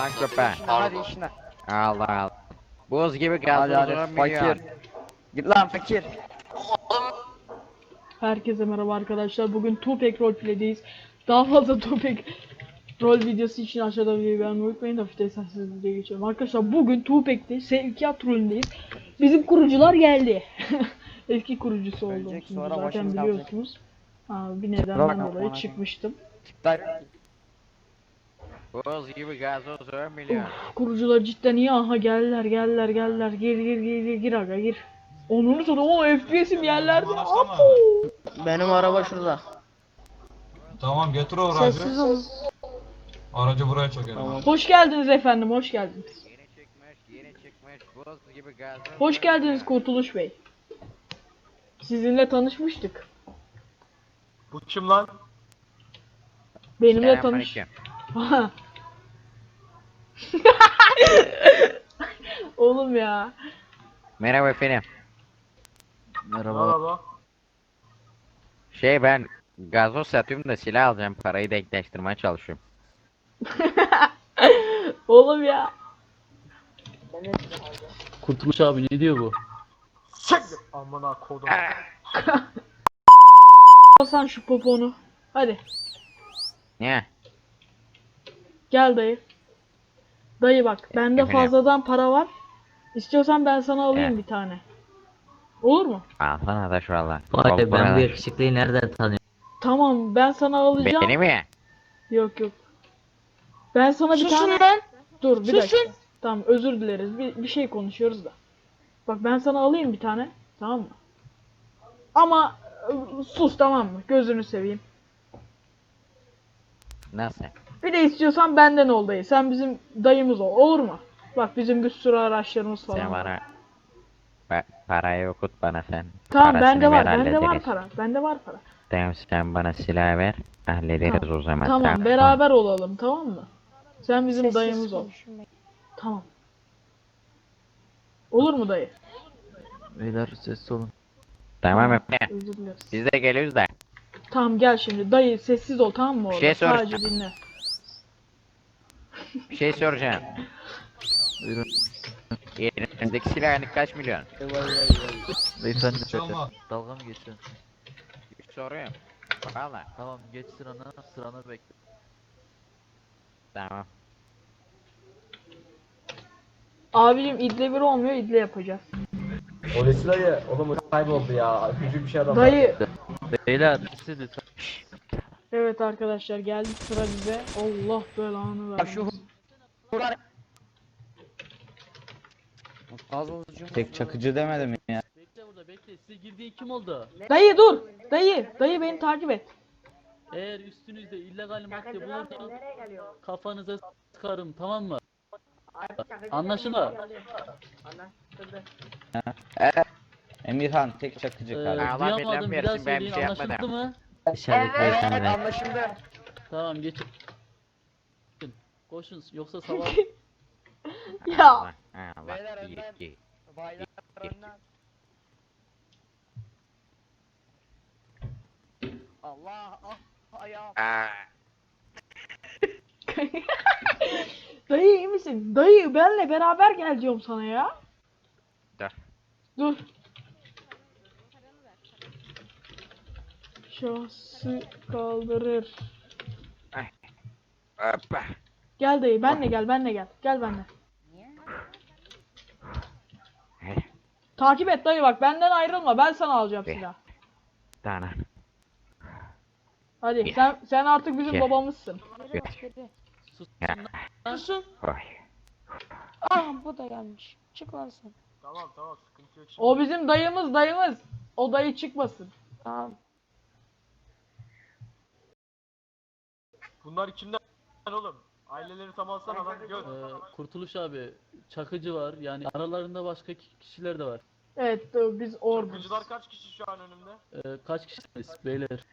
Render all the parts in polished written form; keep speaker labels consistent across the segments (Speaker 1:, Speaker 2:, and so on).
Speaker 1: köpeği.
Speaker 2: Hadi işine.
Speaker 1: Allah Allah. Buz gibi
Speaker 2: Hadi hadi
Speaker 1: gazoz
Speaker 2: fakir.
Speaker 1: milyon.
Speaker 2: Git lan fakir.
Speaker 3: Herkese merhaba arkadaşlar. Bugün Tupac Roleplay'deyiz. Daha fazla Tupac rol videosu için aşağıda videoyu beğenmeyi unutmayın. Hafifte sessiz videoya geçiyorum. Arkadaşlar bugün Tupac'te sevkiyat rolündeyiz. Bizim kurucular geldi. Eski kurucusu oldum.
Speaker 2: Ölecek,
Speaker 3: Şimdi
Speaker 2: sonra
Speaker 3: zaten
Speaker 2: başımız
Speaker 3: biliyorsunuz. Bir nedenden dolayı çıkmıştım.
Speaker 2: Çıklar.
Speaker 1: Buz gibi gazoz milyon.
Speaker 3: Kurucular cidden iyi. Aha geldiler. Gir aga gir. Onunu sonra o FPS'im yerlerde. Apo.
Speaker 4: Benim araba şurada.
Speaker 5: Tamam getir o aracı.
Speaker 3: Sessiz olun.
Speaker 5: Aracı buraya çekelim.
Speaker 3: Hoş geldiniz efendim, hoş geldiniz.
Speaker 1: Yeni çıkmış buz gibi gazoz.
Speaker 3: Hoş geldiniz Kurtuluş Bey. Sizinle tanışmıştık.
Speaker 5: Bu kim lan?
Speaker 3: Benimle tanış.
Speaker 1: Selamünaleyküm.
Speaker 3: Oğlum ya.
Speaker 1: Merhaba efendim.
Speaker 5: Merhaba.
Speaker 1: Ben gazoz satıyorum da silah alacağım. Parayı denkleştirmeye çalışıyorum.
Speaker 3: Oğlum ya.
Speaker 4: Kurtuluş abi ne diyor bu?
Speaker 5: Siktir. Amına kodum.
Speaker 3: Alsan şu poponu. Hadi.
Speaker 1: Ne?
Speaker 3: Gel dayı. Dayı bak, bende
Speaker 1: Efendim?
Speaker 3: fazladan para var. İstiyorsan ben sana alayım
Speaker 1: Evet.
Speaker 3: bir tane. Olur mu?
Speaker 1: Alsana da şu valla.
Speaker 4: Vay be, ben bu yakışıklıyı nereden tanıyorum?
Speaker 3: Tamam, ben sana alacağım.
Speaker 1: Beni mi?
Speaker 3: Yok. Ben sana bir tane... Dur bir dakika. Tamam, özür dileriz. Bir şey konuşuyoruz da. Bak ben sana alayım bir tane. Tamam mı? Ama sus, tamam mı? Gözünü seveyim.
Speaker 1: Nasıl?
Speaker 3: Bir de istiyorsan benden ol dayı. Sen bizim dayımız ol. Olur mu? Bak bizim bir sürü araçlarımız falan
Speaker 1: Sen
Speaker 3: var.
Speaker 1: bana parayı okut bana sen.
Speaker 3: Tamam,
Speaker 1: Parasını
Speaker 3: bende var.
Speaker 1: ver,
Speaker 3: Bende var
Speaker 1: hallederiz.
Speaker 3: para. Bende var para.
Speaker 1: Tamam sen bana silah ver. Hallederiz
Speaker 3: Tamam.
Speaker 1: o zaman.
Speaker 3: Tamam, beraber olalım, tamam mı? Sen bizim dayımız ol. Tamam. Olur mu dayı?
Speaker 4: Beyler sessiz olun.
Speaker 1: Tamam efendim.
Speaker 3: Özür dileriz.
Speaker 1: Biz de geliyoruz da.
Speaker 3: Tamam gel şimdi. Dayı sessiz ol, tamam mı orada?
Speaker 1: şey soracağım.
Speaker 3: Sadece dinle.
Speaker 1: Bir şey soracağım.
Speaker 4: Buyurun.
Speaker 1: Elinizdeki silah yani kaç milyon?
Speaker 4: Beyefendi
Speaker 5: Çalma.
Speaker 4: dalga mı geçiyorsun?
Speaker 1: Soruyorum. Valla.
Speaker 4: Tamam geç sıranı bekle.
Speaker 1: Tamam.
Speaker 3: Abicim idle bir olmuyor, idle yapacağız.
Speaker 6: Polisi dayı, oğlum kayboldu ya. Küçük bir şey adam.
Speaker 3: Dayı.
Speaker 4: Beyler siz lütfen.
Speaker 3: Evet arkadaşlar, geldi sıra bize. Allah belanı versin.
Speaker 2: Tek çakıcı demedim ya.
Speaker 4: Bekle burada bekle. Size girdiği kim oldu?
Speaker 3: Dayı dur. Dayı beni takip et.
Speaker 4: Eğer üstünüzde illegal madde bulursa kafanıza sıkarım, tamam mı? Anlaşıldı.
Speaker 2: Emirhan tek çakıcı kardeşim.
Speaker 1: Allah
Speaker 4: Duyamadım,
Speaker 1: birden
Speaker 4: bir daha
Speaker 1: versin, ben bir
Speaker 4: söyleyin,
Speaker 1: şey
Speaker 4: anlaşıldı
Speaker 1: yapmadım.
Speaker 4: mı?
Speaker 1: Dışarıdaki beyefendi.
Speaker 6: Anlaşıldı.
Speaker 4: Tamam geçin. Koşun yoksa sabah
Speaker 3: Ya.
Speaker 1: Allah.
Speaker 6: Beyler
Speaker 1: İyi,
Speaker 6: önden.
Speaker 1: iyi.
Speaker 6: Baylar önden. Allah ayağım.
Speaker 3: Dayı iyi misin? Dayı benle beraber gel diyorum sana ya.
Speaker 1: Dur.
Speaker 3: Dur. Şahsı kaldırır.
Speaker 1: Hoppa.
Speaker 3: Gel dayı, benle gel. Gel benle. Takip et dayı, bak benden ayrılma, ben sana alacağım
Speaker 1: Be.
Speaker 3: silah.
Speaker 1: Tamam.
Speaker 3: Hadi
Speaker 1: Gel.
Speaker 3: sen artık bizim
Speaker 1: Gel.
Speaker 3: babamızsın.
Speaker 4: susun.
Speaker 1: Oy.
Speaker 7: Ah bu da gelmiş. Çık lan sen.
Speaker 5: Tamam sıkıntı yok şimdi.
Speaker 3: O bizim dayımız. O dayı çıkmasın.
Speaker 7: Tamam.
Speaker 5: Bunlar kimden oğlum? Aileleri tam alsana lan gör.
Speaker 4: Kurtuluş abi, Çakıcı var, yani aralarında başka kişiler de var.
Speaker 3: Evet biz orduyuz.
Speaker 5: Çakıcılar kaç kişi şu an önümde?
Speaker 4: Kaç kişisiniz beyler?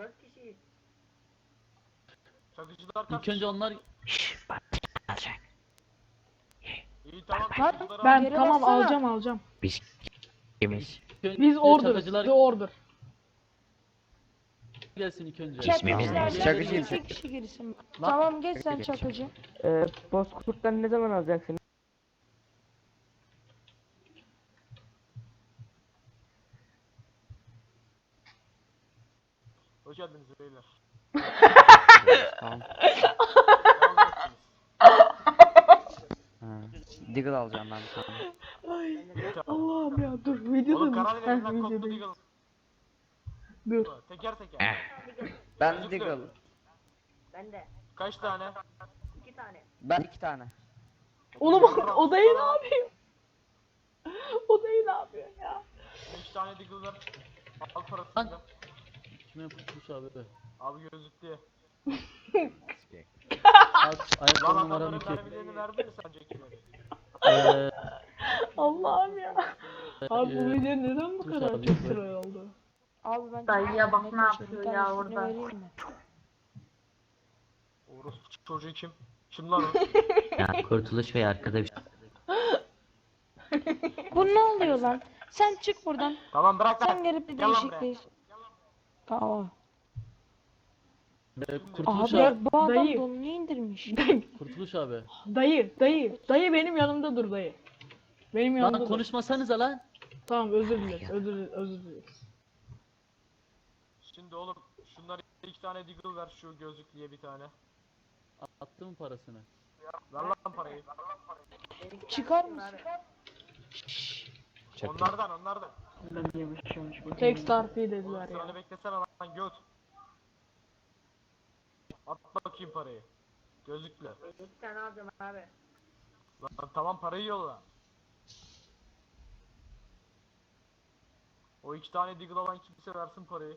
Speaker 5: Çakıcılar kaç
Speaker 4: İlk
Speaker 5: kişi?
Speaker 4: önce onlar
Speaker 1: Alacak.
Speaker 5: İyi tamam.
Speaker 7: Lan,
Speaker 5: çakıcıları
Speaker 3: Ben
Speaker 7: Geri
Speaker 3: tamam
Speaker 7: baksana.
Speaker 3: alacağım.
Speaker 1: Biz kimiz?
Speaker 4: ilk önce
Speaker 3: Biz orduyuz.
Speaker 4: Çakıcılar
Speaker 3: Biz ordur.
Speaker 4: gelsin ilk önce.
Speaker 7: Çakıcılardan
Speaker 2: Çakıcıyım.
Speaker 7: 2 kişi girsin. Tamam geç sen çakıcı.
Speaker 8: Bozkurt'tan ne zaman alacaksın?
Speaker 5: Hoş geldiniz beyler.
Speaker 1: Tamam.
Speaker 2: Deagle alacağım ben bir tane.
Speaker 3: Ay Allah'ım ya dur videoda
Speaker 5: Oğlum
Speaker 3: mı?
Speaker 5: karar verin lan kodlu
Speaker 3: Videodayım.
Speaker 5: Deagle.
Speaker 3: Dur.
Speaker 5: Teker teker.
Speaker 2: Ben Deagle.
Speaker 5: Kaç tane?
Speaker 2: Ben 2 tane.
Speaker 3: Oğlum odayı ne yapıyor? Odayı ne yapıyor ya?
Speaker 5: 5 tane Deagle ver. Al parasını.
Speaker 4: Kime Kurtuluş abi?
Speaker 5: Abi gözlük diye.
Speaker 4: Ayakkabı
Speaker 5: Lan
Speaker 4: numaram
Speaker 5: adamların
Speaker 4: 2.
Speaker 5: mermilerini verdi mi sence kime?
Speaker 3: Allah'ım ya. Abi bu video neden bu
Speaker 4: Dur
Speaker 3: kadar
Speaker 4: abi,
Speaker 3: çok
Speaker 4: dur.
Speaker 3: troll oldu?
Speaker 7: Abi ben
Speaker 9: Dayıya bak ne
Speaker 7: taşıyorum.
Speaker 9: yapıyor
Speaker 7: Bir
Speaker 9: ya
Speaker 7: tanesini
Speaker 9: orada.
Speaker 7: vereyim mi?
Speaker 5: Orospu çocuğu kim? Kim lan o?
Speaker 10: Ya Kurtuluş Bey arkada bir
Speaker 7: Bu ne oluyor lan? Sen çık buradan.
Speaker 5: Tamam bırak
Speaker 7: Sen
Speaker 5: lan.
Speaker 7: gelip bir
Speaker 5: Gel lan
Speaker 7: değişikliğiz. Tamam.
Speaker 4: Kurtuluş
Speaker 7: Abi
Speaker 4: abi.
Speaker 7: bu adam
Speaker 3: dayı.
Speaker 7: donunu indirmiş.
Speaker 4: Kurtuluş abi.
Speaker 3: Dayı benim yanımda dur dayı. Benim yanımda
Speaker 4: Lan
Speaker 3: dur.
Speaker 4: konuşmasanıza lan.
Speaker 3: Tamam özür dileriz, özür dileriz.
Speaker 5: Şimdi oğlum şunlar 2 tane Deagle ver şu gözlüklüye bir tane.
Speaker 4: Attı mı parasını?
Speaker 5: Ver lan parayı.
Speaker 7: Çıkar mısın?
Speaker 5: Onlardan.
Speaker 3: Tek start fee dediler ya.
Speaker 5: Sıranı beklesene lan göt. At bakayım parayı. Gözlükle.
Speaker 9: 2 tane alacağım abi.
Speaker 5: Lan tamam parayı yolla. O 2 tane Deagle alan kimse versin parayı.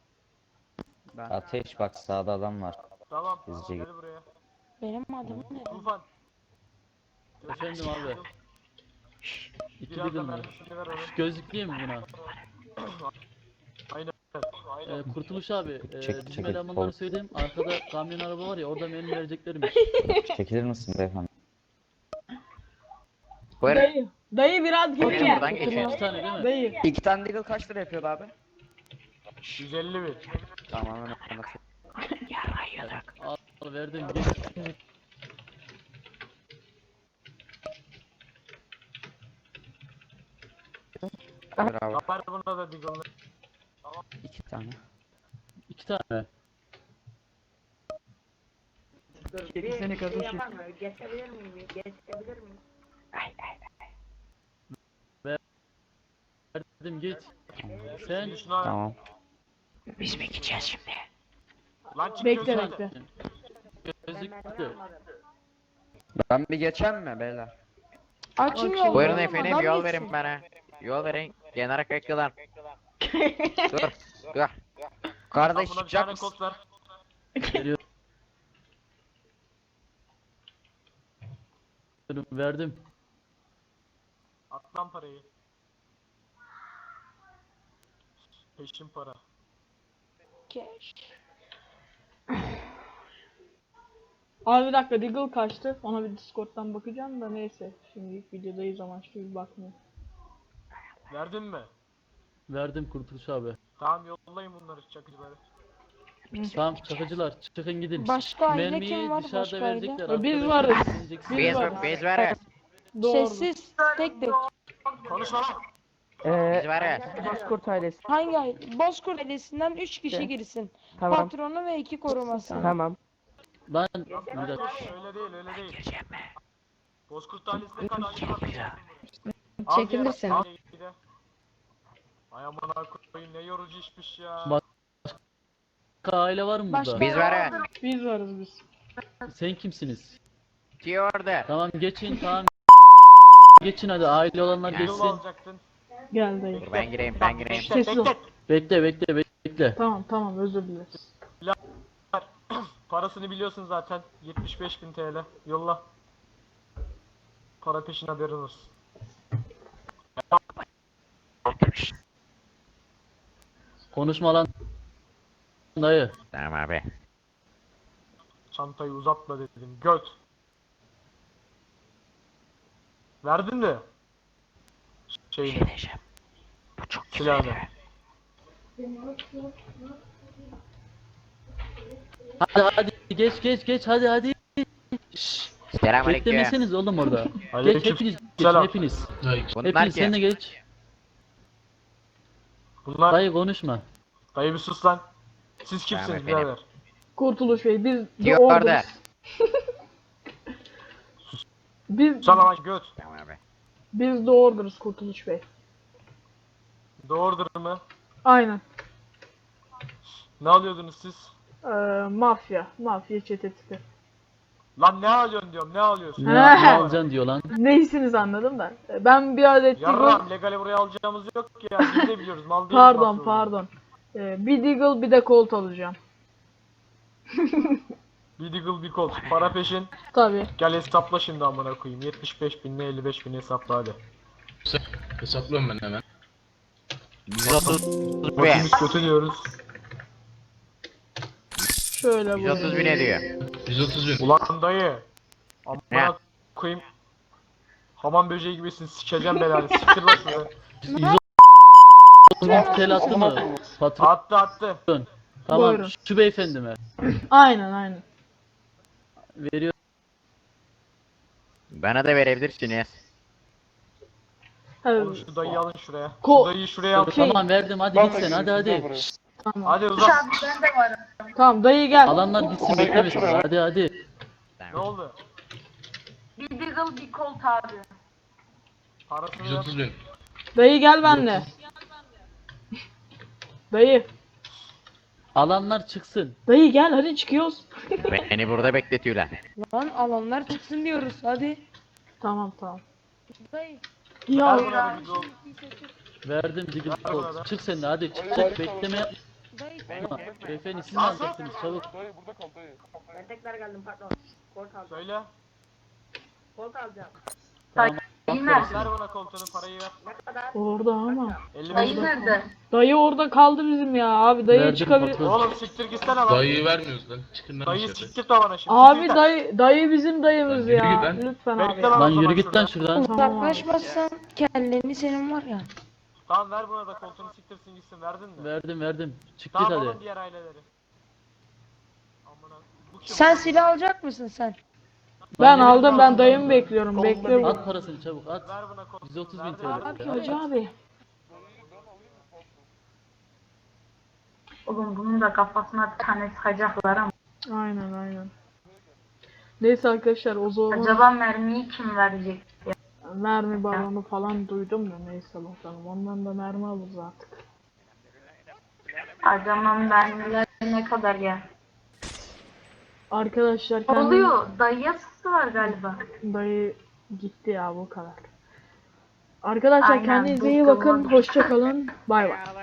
Speaker 2: Ateş bak sağda adam var.
Speaker 5: Tamam.
Speaker 2: Hızlıca
Speaker 5: Gel buraya.
Speaker 7: Benim adamım ne?
Speaker 5: Tufan.
Speaker 4: Efendim abi. İki
Speaker 5: Biraz
Speaker 4: Deagle
Speaker 5: da
Speaker 4: mı?
Speaker 5: mermisini ver onu.
Speaker 4: Gözlüklüyüm mi buna?
Speaker 5: Aynen.
Speaker 4: Kurtuluş abi.
Speaker 2: Çek,
Speaker 4: Bizim
Speaker 2: çek.
Speaker 4: elemanlara söyleyeyim. Arkada kamyon araba var ya orada mermi vereceklermiş.
Speaker 2: Çekilir misin beyefendi?
Speaker 1: Buyurun.
Speaker 3: Dayı biraz geri
Speaker 1: Buyurun
Speaker 3: gel.
Speaker 1: buradan geçin.
Speaker 4: 2 tane değil mi?
Speaker 3: Dayı.
Speaker 2: 2 tane Deagle kaç lira yapıyordu abi?
Speaker 5: 150 bin.
Speaker 2: Tamam hemen anlatayım.
Speaker 4: Al verdim. Geç.
Speaker 2: Bravo.
Speaker 5: Ver buna da Deagle'ını.
Speaker 2: 2 tane.
Speaker 4: 2 tane.
Speaker 9: Seni kardeşim. Geçebilir miyim? Geçebilir miyim?
Speaker 4: Verdim geç. Sen
Speaker 5: Şimdi şuna
Speaker 2: Tamam.
Speaker 5: lan çık
Speaker 3: Bekle
Speaker 5: gözlükle.
Speaker 3: bekle.
Speaker 4: gözlüklü.
Speaker 2: Ben bir geçen mi beyler?
Speaker 7: Açın yolu.
Speaker 1: Buyurun
Speaker 7: oğlum,
Speaker 1: efendim
Speaker 7: adam
Speaker 1: yol
Speaker 7: geçsin.
Speaker 1: verin bana. Yol verin. Genel kaykılar. Dur. Dur.
Speaker 2: Kardeş
Speaker 5: Buna bir
Speaker 2: çıkacak
Speaker 5: tane
Speaker 2: mısın?
Speaker 5: kod ver.
Speaker 4: Veriyorum. Verdim.
Speaker 5: At lan parayı. Peşin para.
Speaker 7: Cash.
Speaker 3: Abi bir dakika Deagle kaçtı. Ona bir Discord'dan bakacağım da neyse. Şimdi ilk videodayız amaçlı bir bakmıyor.
Speaker 5: Verdin mi?
Speaker 4: Verdim Kurtuluş abi.
Speaker 5: Tamam yollayın bunları çakıcıları.
Speaker 4: Tamam çakıcılar çıkın gidin.
Speaker 7: Başka aile
Speaker 4: Mermiyi
Speaker 7: kim var?
Speaker 4: dışarıda
Speaker 7: Başka aile?
Speaker 4: verecekler.
Speaker 3: Biz
Speaker 4: arkadaşlar.
Speaker 3: varız.
Speaker 4: Vereceksin.
Speaker 1: Biz
Speaker 3: varız.
Speaker 1: biz varız.
Speaker 3: Doğru.
Speaker 7: Sessiz. Tek tek.
Speaker 5: Konuşma lan.
Speaker 1: Biz varız.
Speaker 8: Bozkurt ailesi.
Speaker 7: Hangi aile? Bozkurt ailesinden 3 kişi girsin.
Speaker 8: Tamam.
Speaker 7: Patronu ve 2 koruması.
Speaker 8: Tamam.
Speaker 4: Lan bir dakika.
Speaker 5: Öyle değil. Bozkurt ailesine karşı
Speaker 9: Çekilirsin.
Speaker 5: Ay amına koyayım ne yorucu işmiş ya.
Speaker 4: Bak- Başka aile var mı
Speaker 7: Başka-
Speaker 4: burada?
Speaker 1: Biz varız.
Speaker 3: Biz varız biz.
Speaker 4: Sen kimsiniz?
Speaker 1: Ki orada.
Speaker 4: Tamam geçin tamam. Geçin hadi aile olanlar
Speaker 5: Deagle
Speaker 4: geçsin.
Speaker 5: alacaktın.
Speaker 3: Gel dayı.
Speaker 1: Dur ben gireyim ben gireyim.
Speaker 3: Sessiz ol.
Speaker 4: Bekle.
Speaker 3: Tamam özür dileriz.
Speaker 5: Parasını biliyorsun zaten. 75.000 TL. Yolla. Para peşin haberin olsun.
Speaker 4: Konuşma lan. Dayı.
Speaker 1: Tamam abi.
Speaker 5: Çantayı uzatma dedim. Göt. Verdin mi? Şeyini. Silahını.
Speaker 4: Hadi geç hadi. Şşş,
Speaker 1: Selamünaleyküm.
Speaker 4: beklemeseniz oğlum orada.
Speaker 5: Aleyküm
Speaker 4: Geç hepiniz geçin
Speaker 5: selam.
Speaker 4: hepiniz.
Speaker 1: Bunlar
Speaker 4: Hepiniz sen de
Speaker 1: ki.
Speaker 4: geç.
Speaker 5: Bunlar
Speaker 4: Dayı konuşma.
Speaker 5: dayı bir sus lan. Siz
Speaker 1: Tamam
Speaker 5: kimsiniz
Speaker 1: efendim.
Speaker 5: birader?
Speaker 3: Kurtuluş Bey biz The
Speaker 1: Diyor orada.
Speaker 3: Order'ız. Biz
Speaker 5: Sana lan göt.
Speaker 1: Tamam abi.
Speaker 3: biz The Order'ız Kurtuluş Bey.
Speaker 5: Doğrudur mu?
Speaker 3: Aynen.
Speaker 5: Ne alıyordunuz siz?
Speaker 3: Mafya çetesi.
Speaker 5: Lan ne alıyorsun diyorum, ne alıyorsun?
Speaker 4: Ne alacaksın diyor lan.
Speaker 3: Neysiniz anladım ben. Ben bir adet Deagle...
Speaker 5: Yarram legale buraya alacağımız yok ya. Biz de biliyoruz. Mal değiliz.
Speaker 3: Pardon
Speaker 5: mafya
Speaker 3: pardon. Bir Deagle bir de Colt alacağım.
Speaker 5: Bir Deagle bir Colt. Para peşin.
Speaker 3: Tabii.
Speaker 5: Gel hesapla şimdi amına koyayım. 75 binle 55 bin hesapla hadi.
Speaker 11: Hesaplıyorum ben hemen.
Speaker 1: 130 bin.
Speaker 5: Başımız kötü diyoruz.
Speaker 3: Şöyle
Speaker 1: 130 bin ediyor.
Speaker 11: 130 bin.
Speaker 5: Ulan dayı.
Speaker 1: Ne?
Speaker 5: Amına koyayım. Hamam böceği gibisin. Sikeceğim belanı. Siktir lan şunu.
Speaker 4: 130 TL attı mı? Patron.
Speaker 5: Attı.
Speaker 4: Tamam
Speaker 3: Buyurun.
Speaker 4: şu beyefendime.
Speaker 3: Aynen.
Speaker 4: Veriyor.
Speaker 1: Bana da verebilirsiniz.
Speaker 5: Oğlum şu dayıyı alın şuraya.
Speaker 3: Ko-
Speaker 5: Şu dayıyı şuraya al.
Speaker 4: Tamam verdim hadi git sen hadi.
Speaker 3: Tamam.
Speaker 5: Hadi uzat.
Speaker 3: Tamam dayı gel.
Speaker 4: Alanlar gitsin beklemesin. Hadi.
Speaker 5: Ne oldu?
Speaker 9: Bir Deagle bir Colt abi.
Speaker 5: Parasını ver.
Speaker 11: 130 bin.
Speaker 3: Dayı gel benimle. Dayı.
Speaker 4: Alanlar çıksın.
Speaker 3: Dayı gel hadi çıkıyoruz.
Speaker 1: Beni burada bekletiyorlar.
Speaker 7: Lan alanlar çıksın diyoruz hadi.
Speaker 3: Tamam.
Speaker 7: Dayı.
Speaker 3: Ya
Speaker 5: Ver bana bir gol.
Speaker 4: Verdim Diggle
Speaker 5: Ver bana da.
Speaker 4: Colt. Çık sen de hadi çık bekleme yap.
Speaker 7: Dayı.
Speaker 4: Tamam. Beyefendi siz ne alacaksınız çabuk.
Speaker 9: Ben tekrar geldim pardon. Colt alacağım.
Speaker 5: Söyle.
Speaker 9: Colt alacağım.
Speaker 4: Tamam.
Speaker 5: Ver bana koltuğunu parayı ver.
Speaker 9: Ne kadar?
Speaker 3: orada ama.
Speaker 5: 55 bin.
Speaker 9: nerede?
Speaker 3: Dayı orada kaldı bizim ya. Abi dayı
Speaker 4: Verdim
Speaker 3: çıkabilir.
Speaker 4: patron.
Speaker 5: Oğlum siktir gitsene lan.
Speaker 11: Dayıyı vermiyoruz lan. Çıkın lan
Speaker 5: Dayıyı
Speaker 11: dışarı.
Speaker 5: siktir bana şimdi.
Speaker 3: Abi
Speaker 5: siktir.
Speaker 3: dayı bizim dayımız
Speaker 11: Lan yürü
Speaker 3: ya.
Speaker 11: git lan.
Speaker 3: Lütfen
Speaker 5: Bekle
Speaker 3: abi.
Speaker 5: lan.
Speaker 4: Lan
Speaker 5: o zaman
Speaker 4: yürü git lan
Speaker 5: şuradan.
Speaker 4: şuradan.
Speaker 3: Tamam abi.
Speaker 7: Uzaklaşmazsan kelleni senin var ya.
Speaker 5: Tamam ver buna da koltuğunu siktirsin gitsin. Verdin mi?
Speaker 4: Verdim. Çık git
Speaker 5: Tamam
Speaker 4: hadi.
Speaker 5: alın diğer aileleri. Amına. Bu kim?
Speaker 7: Sen silah alacak mısın sen?
Speaker 3: Ben aldım ben dayımı bekliyorum. Bekle bu.
Speaker 4: At parasını çabuk at.
Speaker 5: Ver buna koltuğunu.
Speaker 4: 130 bin
Speaker 5: Verdin
Speaker 4: TL.
Speaker 5: mi?
Speaker 3: Abi hacı abi.
Speaker 9: Oğlum bunun da kafasına bir tane sıkacaklar ama.
Speaker 3: Aynen. Neyse arkadaşlar o zaman
Speaker 9: Acaba mermiyi kim verecek?
Speaker 3: mermi balonu falan duydum da neyse bakalım. Ondan da mermi alırız artık.
Speaker 9: Acaba mermiler ne kadar ya?
Speaker 3: Arkadaşlar
Speaker 9: Ne
Speaker 3: kendiniz...
Speaker 9: oluyor? Dayıya sıktılar galiba.
Speaker 3: Dayı gitti ya bu kadar. Arkadaşlar
Speaker 9: Aynen,
Speaker 3: kendinize iyi
Speaker 9: bıktım
Speaker 3: bakın.
Speaker 9: onu.
Speaker 3: Hoşça kalın. Bay bay.